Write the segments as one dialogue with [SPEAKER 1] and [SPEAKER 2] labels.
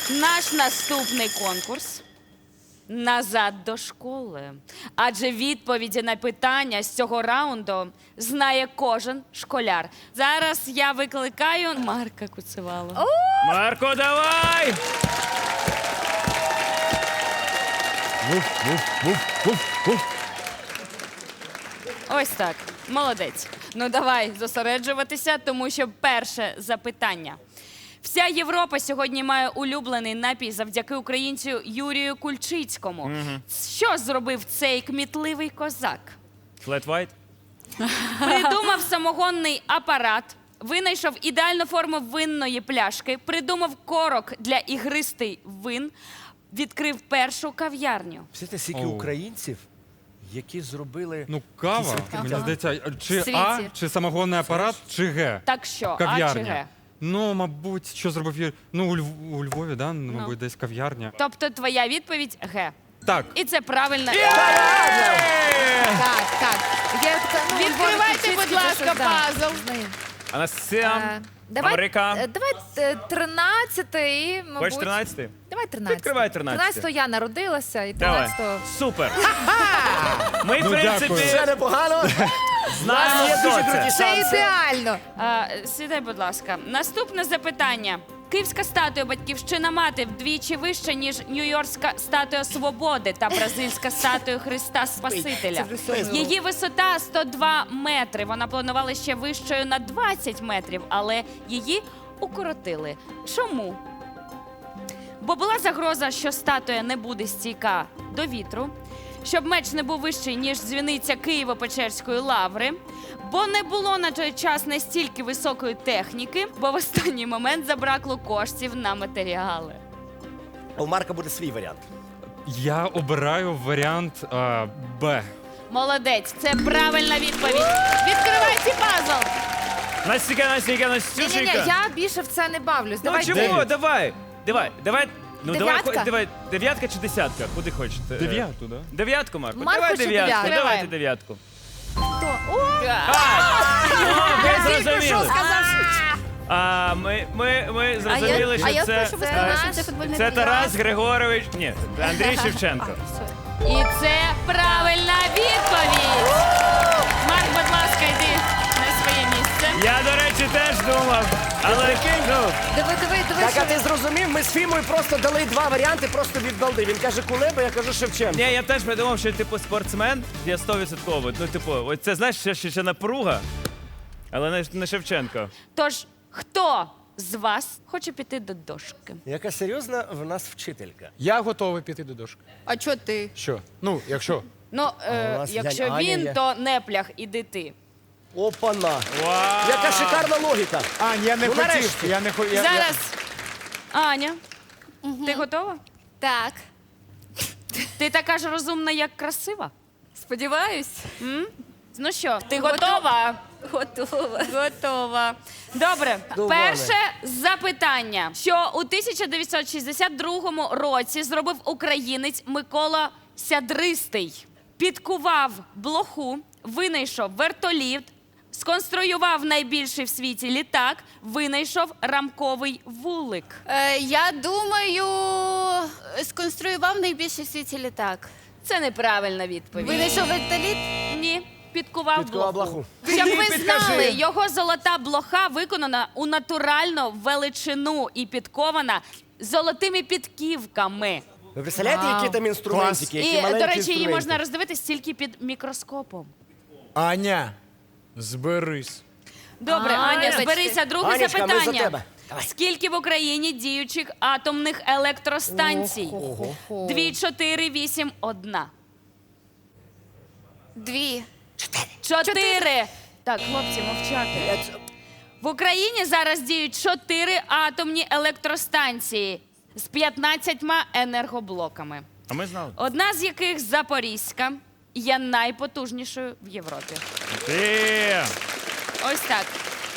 [SPEAKER 1] Наш наступний конкурс «Назад до школи». Адже відповіді на питання з цього раунду знає кожен школяр. Зараз я викликаю Марка Куцевалу.
[SPEAKER 2] Марко, давай!
[SPEAKER 1] Ось так. Молодець. Ну давай зосереджуватися, тому що перше запитання. Вся Європа сьогодні має улюблений напій завдяки українцю Юрію Кульчицькому. Що зробив цей кмітливий козак?
[SPEAKER 2] Флет White?
[SPEAKER 1] Придумав самогонний апарат, винайшов ідеальну форму винної пляшки, придумав корок для ігристий вин, відкрив першу кав'ярню.
[SPEAKER 3] Всі стільки українців, які зробили...
[SPEAKER 4] Ну, кава, мені здається, чи
[SPEAKER 1] Світі.
[SPEAKER 4] А, чи самогонний апарат, чи Г.
[SPEAKER 1] Так що, А чи
[SPEAKER 4] Кав'ярня.
[SPEAKER 1] Г?
[SPEAKER 4] Ну, мабуть, що зробив Юрій? Ну, у Львові, да? Мабуть, десь кав'ярня.
[SPEAKER 1] Тобто твоя відповідь Г.
[SPEAKER 4] Так.
[SPEAKER 1] І це правильно.
[SPEAKER 5] Так, так. Я така, ну,
[SPEAKER 6] Відкривайте, будь ласка, пазл.
[SPEAKER 2] Анасям,
[SPEAKER 5] Давай,
[SPEAKER 2] Америка.
[SPEAKER 5] давай 13-й, мабуть.
[SPEAKER 2] Хочеш 13-й?
[SPEAKER 5] Давай 13.
[SPEAKER 2] Відкривай 13.
[SPEAKER 5] 13-го я народилася, і
[SPEAKER 2] Давай.
[SPEAKER 5] 13-го...
[SPEAKER 2] Супер. Ми, в
[SPEAKER 4] Ну,
[SPEAKER 2] принципі,
[SPEAKER 4] дякую.
[SPEAKER 3] Все непогано.
[SPEAKER 2] знаємо,
[SPEAKER 3] Є дуже
[SPEAKER 2] хто
[SPEAKER 3] круті
[SPEAKER 2] це.
[SPEAKER 5] Це
[SPEAKER 3] шанси.
[SPEAKER 5] ідеально.
[SPEAKER 1] Сідай, будь ласка. Наступне запитання. Київська статуя Батьківщина Мати вдвічі вища, ніж Нью-Йоркська статуя Свободи та бразильська статуя Христа Спасителя. Її висота 102 метри. Вона планувала ще вищою на 20 метрів, але її укоротили. Чому? Бо була загроза, що статуя не буде стійка до вітру, щоб меч не був вищий, ніж дзвіниця Києво-Печерської лаври, бо не було на той час настільки високої техніки, бо в останній момент забракло коштів на матеріали.
[SPEAKER 3] У Марка буде свій варіант.
[SPEAKER 4] Я обираю варіант Б.
[SPEAKER 1] Молодець, це правильна відповідь. Відкривайте пазл.
[SPEAKER 2] Настя,
[SPEAKER 5] Ні-ні-ні,
[SPEAKER 2] Настюшенька.
[SPEAKER 5] я більше в це не бавлюсь.
[SPEAKER 2] Ну
[SPEAKER 5] Давай
[SPEAKER 2] чому? Давай. Ну,
[SPEAKER 5] Дев'ятка?
[SPEAKER 2] давай, дев'ятка чи десятка? Куди хочете?
[SPEAKER 4] Дев'яту, да?
[SPEAKER 2] Дев'ятку, Марко?
[SPEAKER 5] Марко
[SPEAKER 2] Давай
[SPEAKER 5] чи
[SPEAKER 2] дев'ятку,
[SPEAKER 5] дев'ятку?
[SPEAKER 2] давайте дев'ятку.
[SPEAKER 5] хто? О,
[SPEAKER 2] Ви зрозуміли. Ми зрозуміли,
[SPEAKER 5] а я
[SPEAKER 2] що
[SPEAKER 5] прошу
[SPEAKER 2] це...
[SPEAKER 5] визнати.
[SPEAKER 2] Це Тарас Григорович, ні, Андрій Шевченко.
[SPEAKER 1] І це правильна відповідь. Марк, будь ласка, йди на своє місце.
[SPEAKER 2] Я, до речі, теж думав, але ну,
[SPEAKER 5] Диви,
[SPEAKER 3] Так, а
[SPEAKER 5] що
[SPEAKER 3] ти зрозумів, ми з Фімою просто дали два варіанти просто від балди. Він каже Кулеба, я кажу Шевченко.
[SPEAKER 2] ні, я теж придумав, що типу спортсмен є 100%. Ну, типу, ось це знаєш, ще напруга, але не Шевченко.
[SPEAKER 1] Тож, хто з вас хоче піти до дошки?
[SPEAKER 3] Яка серйозна в нас вчителька.
[SPEAKER 7] Я готовий піти до дошки.
[SPEAKER 6] А чого ти?
[SPEAKER 7] Що? Ну, якщо.
[SPEAKER 1] Ну,
[SPEAKER 3] у нас
[SPEAKER 1] якщо
[SPEAKER 3] Янь Аня
[SPEAKER 1] він,
[SPEAKER 3] є.
[SPEAKER 1] то не плях, іди ти.
[SPEAKER 3] Опана.
[SPEAKER 2] Вау!
[SPEAKER 3] Яка шикарна логіка.
[SPEAKER 7] Ань, я не
[SPEAKER 3] Ну,
[SPEAKER 7] хотів.
[SPEAKER 3] нарешті.
[SPEAKER 7] Я не хотів.
[SPEAKER 1] Зараз, Аня, ти готова?
[SPEAKER 5] Так.
[SPEAKER 1] Ти така ж розумна, як красива?
[SPEAKER 5] Сподіваюсь.
[SPEAKER 1] Ну що, ти готова?
[SPEAKER 5] Готова.
[SPEAKER 1] Готова. Добре,
[SPEAKER 3] Доволі.
[SPEAKER 1] перше запитання. Що у 1962 році зробив українець Микола Сядристий? Підкував блоху, винайшов вертоліт, сконструював найбільший в світі літак, винайшов рамковий вулик.
[SPEAKER 6] Я думаю, сконструював найбільший в світі літак.
[SPEAKER 1] Це неправильна відповідь.
[SPEAKER 6] Винайшов вертоліт?
[SPEAKER 1] Ні. Підкував
[SPEAKER 3] Підкував
[SPEAKER 1] блоху.
[SPEAKER 3] блоху.
[SPEAKER 1] Щоб ви знали, його золота блоха виконана у натуральну величину і підкована золотими підківками.
[SPEAKER 3] Ви представляєте, які там інструментики, які
[SPEAKER 1] І,
[SPEAKER 3] маленькі
[SPEAKER 1] до речі, її
[SPEAKER 3] інструменти?
[SPEAKER 1] можна роздивитись тільки під мікроскопом.
[SPEAKER 7] Аня, зберись.
[SPEAKER 1] Добре, Аня,
[SPEAKER 5] вибачте.
[SPEAKER 1] зберися. Друге
[SPEAKER 3] Анечка, ми за
[SPEAKER 1] запитання.
[SPEAKER 3] тебе. Давай.
[SPEAKER 1] Скільки в Україні діючих атомних електростанцій? 2, 4, 8, 1.
[SPEAKER 6] Дві.
[SPEAKER 1] 4. Так, хлопці, мовчати. В Україні зараз діють 4 атомні електростанції з 15 енергоблоками.
[SPEAKER 2] А ми знали.
[SPEAKER 1] Одна з яких Запорізька є найпотужнішою в Європі.
[SPEAKER 2] Ти!
[SPEAKER 1] Ось так.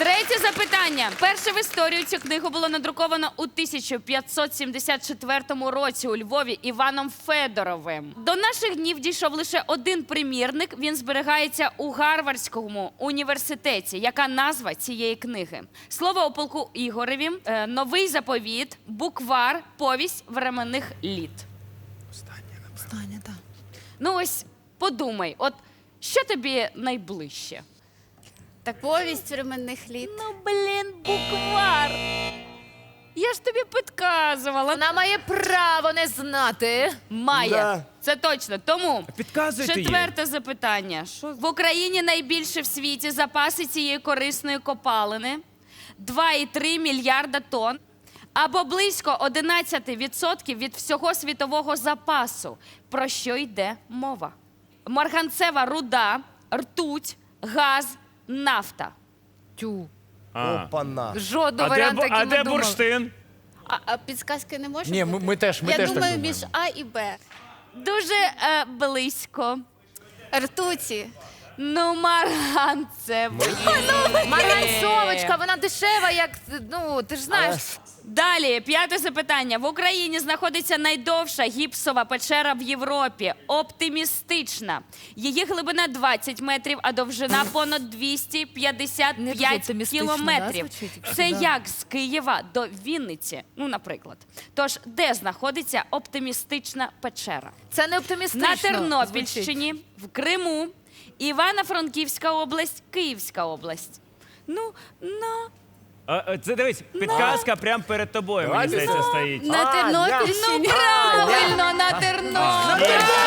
[SPEAKER 1] Третє запитання. Перше в історію цю книгу було надруковано у 1574 році у Львові Іваном Федоровим. До наших днів дійшов лише один примірник. Він зберігається у Гарвардському університеті. Яка назва цієї книги? Слово у полку Ігореві, новий заповіт, буквар, повість временних літ.
[SPEAKER 5] Останнє, так.
[SPEAKER 1] Ну ось подумай, от що тобі найближче?
[SPEAKER 6] Так повість временних літ.
[SPEAKER 1] Ну, блін, буквар. Я ж тобі підказувала.
[SPEAKER 5] Вона має право не знати.
[SPEAKER 1] Має.
[SPEAKER 3] Да.
[SPEAKER 1] Це точно. Тому
[SPEAKER 2] Підказуйте їй.
[SPEAKER 1] четверте запитання. В Україні найбільше в світі запаси цієї корисної копалини. 2,3 мільярда тонн. Або близько 11% від всього світового запасу. Про що йде мова? Марганцева руда, ртуть, газ, нафта.
[SPEAKER 5] Тю.
[SPEAKER 2] А.
[SPEAKER 3] Опана.
[SPEAKER 5] Жодного
[SPEAKER 2] А де,
[SPEAKER 5] варіанту, який
[SPEAKER 2] а
[SPEAKER 5] ми
[SPEAKER 2] де
[SPEAKER 5] думали.
[SPEAKER 2] бурштин?
[SPEAKER 6] А підсказки не може
[SPEAKER 7] Ні,
[SPEAKER 6] бути?
[SPEAKER 7] ми теж
[SPEAKER 6] Я
[SPEAKER 7] так
[SPEAKER 6] думаю,
[SPEAKER 7] думаємо.
[SPEAKER 6] між А і Б.
[SPEAKER 1] Дуже близько.
[SPEAKER 6] Ртуті.
[SPEAKER 1] Ну, марганцева.
[SPEAKER 5] Марганцовочка, вона дешева, як, ну, ти ж знаєш.
[SPEAKER 1] Далі, п'яте запитання. В Україні знаходиться найдовша гіпсова печера в Європі. Оптимістична. Її глибина 20 метрів, а довжина понад
[SPEAKER 5] Не дуже
[SPEAKER 1] 255
[SPEAKER 5] оптимістично, да,
[SPEAKER 1] кілометрів.
[SPEAKER 5] звучить, якщо
[SPEAKER 1] Це
[SPEAKER 5] да.
[SPEAKER 1] як з Києва до Вінниці, ну, наприклад. Тож, де знаходиться оптимістична печера?
[SPEAKER 5] Це не оптимістично.
[SPEAKER 1] На
[SPEAKER 5] звучить.
[SPEAKER 1] Тернопільщині, в Криму, Івано-Франківська область, Київська область. Ну,
[SPEAKER 2] Це дивись, підказка прямо перед тобою, мені
[SPEAKER 3] Давайте
[SPEAKER 2] здається,
[SPEAKER 3] це.
[SPEAKER 2] стоїть.
[SPEAKER 6] На Тернопільщині.
[SPEAKER 1] правильно, на Тернопіль.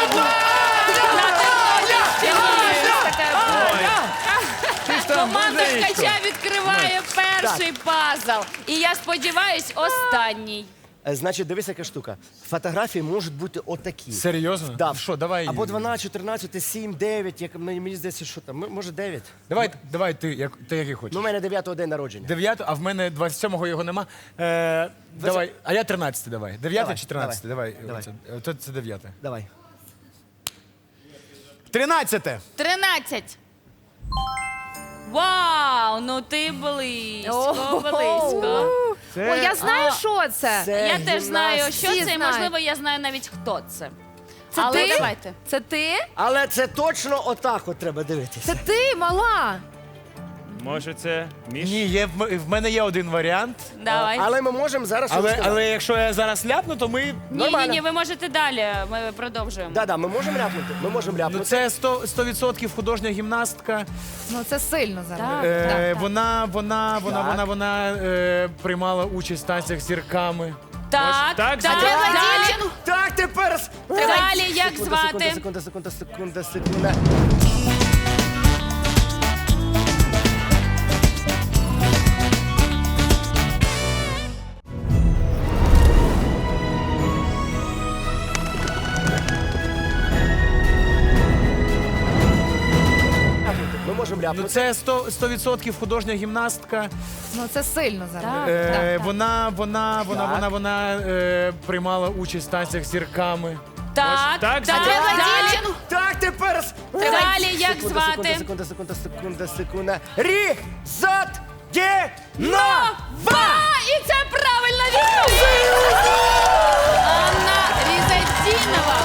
[SPEAKER 1] Команда Ткача відкриває перший пазл. І я сподіваюсь, останній.
[SPEAKER 3] Значить, дивись, яка штука. Фотографії можуть бути отакі.
[SPEAKER 7] Серйозно?
[SPEAKER 3] Да.
[SPEAKER 7] Що, давай.
[SPEAKER 3] Або 12, 14, 7, 9, як мені здається, що там. Може 9.
[SPEAKER 7] Давай ти який хочеш.
[SPEAKER 3] Ну, у мене 9-го день народження.
[SPEAKER 7] 9, а в мене 27-го його нема. Давай, а я 13 давай. 9
[SPEAKER 3] Давай,
[SPEAKER 7] чи 13? Давай.
[SPEAKER 3] давай.
[SPEAKER 7] Це 9.
[SPEAKER 3] Давай.
[SPEAKER 7] 13.
[SPEAKER 1] 13. Вау, ну ти близько, близько.
[SPEAKER 5] О, я знаю, що це.
[SPEAKER 1] Я теж знаю, що
[SPEAKER 5] Всі
[SPEAKER 1] це, і
[SPEAKER 5] знають.
[SPEAKER 1] можливо, я знаю навіть, хто це.
[SPEAKER 5] Це
[SPEAKER 1] Але
[SPEAKER 5] ти?
[SPEAKER 1] давайте.
[SPEAKER 5] Це ти?
[SPEAKER 3] Але це точно отак от треба дивитися.
[SPEAKER 5] Це ти, мала.
[SPEAKER 2] Може, це Міш?
[SPEAKER 7] Ні, в мене є один варіант.
[SPEAKER 1] Давай.
[SPEAKER 3] Але ми можемо зараз щось сказати.
[SPEAKER 7] Але якщо я зараз ляпну, то ми.
[SPEAKER 1] Ні, ви можете далі. Ми продовжуємо.
[SPEAKER 3] Да, ми можемо ляпнути. Ми можемо
[SPEAKER 7] Ну
[SPEAKER 3] ляпнути.
[SPEAKER 7] це 100% художня гімнастка.
[SPEAKER 5] Ну, це сильно зараз.
[SPEAKER 1] Так.
[SPEAKER 5] Так.
[SPEAKER 7] Вона приймала участь в танцях з зірками.
[SPEAKER 1] Так,
[SPEAKER 2] Так,
[SPEAKER 1] далі.
[SPEAKER 3] Так, тепер.
[SPEAKER 1] Далі, як звати?
[SPEAKER 3] Секунда. Ми можемо
[SPEAKER 7] Ну
[SPEAKER 3] ляпнути.
[SPEAKER 7] це 100% художня гімнастка.
[SPEAKER 5] Ну, це сильно зараз.
[SPEAKER 1] Так.
[SPEAKER 7] Вона приймала участь в танцях з зірками.
[SPEAKER 1] Так,
[SPEAKER 2] Так,
[SPEAKER 1] далі.
[SPEAKER 3] Так, тепер.
[SPEAKER 1] Далі, як звати?
[SPEAKER 3] Секунда. Різотєнова!
[SPEAKER 1] І це правильна відповідь! Анна Різатінова.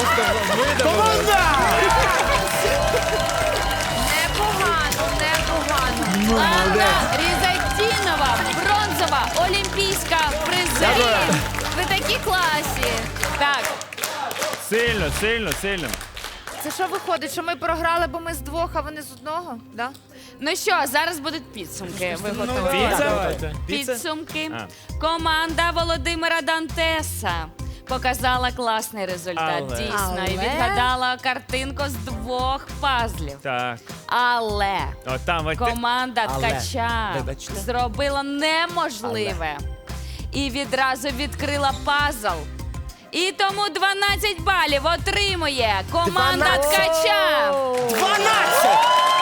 [SPEAKER 5] Непогано.
[SPEAKER 1] Анна Різатінова. Бронзова олімпійська призерка.
[SPEAKER 6] Ви такі класі.
[SPEAKER 1] Так,
[SPEAKER 2] Сильно.
[SPEAKER 5] Це що виходить, що ми програли, бо ми з двох, а вони з одного? Да?
[SPEAKER 1] ну що, зараз будуть підсумки. Ви готові?
[SPEAKER 2] Піца?
[SPEAKER 1] Підсумки.
[SPEAKER 2] А.
[SPEAKER 1] Команда Володимира Дантеса показала класний результат.
[SPEAKER 2] Але.
[SPEAKER 1] Дійсно, і
[SPEAKER 5] Але?
[SPEAKER 1] відгадала картинку з 2 пазлів.
[SPEAKER 2] Так.
[SPEAKER 1] Але
[SPEAKER 2] О, там, ось ти-
[SPEAKER 1] команда
[SPEAKER 3] Але.
[SPEAKER 1] Ткача
[SPEAKER 3] Вибачте.
[SPEAKER 1] зробила неможливе і відразу відкрила пазл. І тому 12 балів отримує команда
[SPEAKER 3] 12.
[SPEAKER 1] Ткача.
[SPEAKER 3] 12!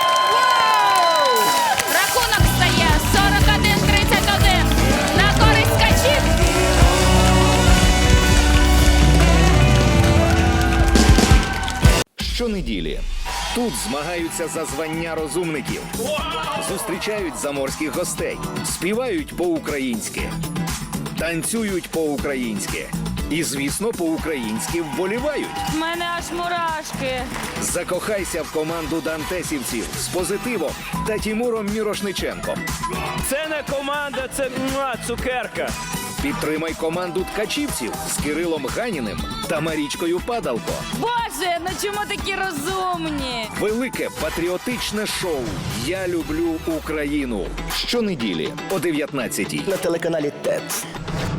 [SPEAKER 1] Рахунок стає 41-31 на користь Ткачів.
[SPEAKER 8] Щонеділі Тут змагаються за звання розумників, зустрічають заморських гостей, співають по-українськи, танцюють по-українськи і, звісно, по-українськи вболівають.
[SPEAKER 1] В мене аж мурашки.
[SPEAKER 8] Закохайся в команду дантесівців з Позитивом та Тімуром Мірошниченком.
[SPEAKER 2] Це не команда, це цукерка.
[SPEAKER 8] Підтримай команду ткачівців з Кирилом Ганіним та Марічкою Падалко.
[SPEAKER 1] Боже, ну чому такі розумні?
[SPEAKER 8] Велике патріотичне шоу «Я люблю Україну» щонеділі о 19-й.
[SPEAKER 3] На телеканалі ТЕТ.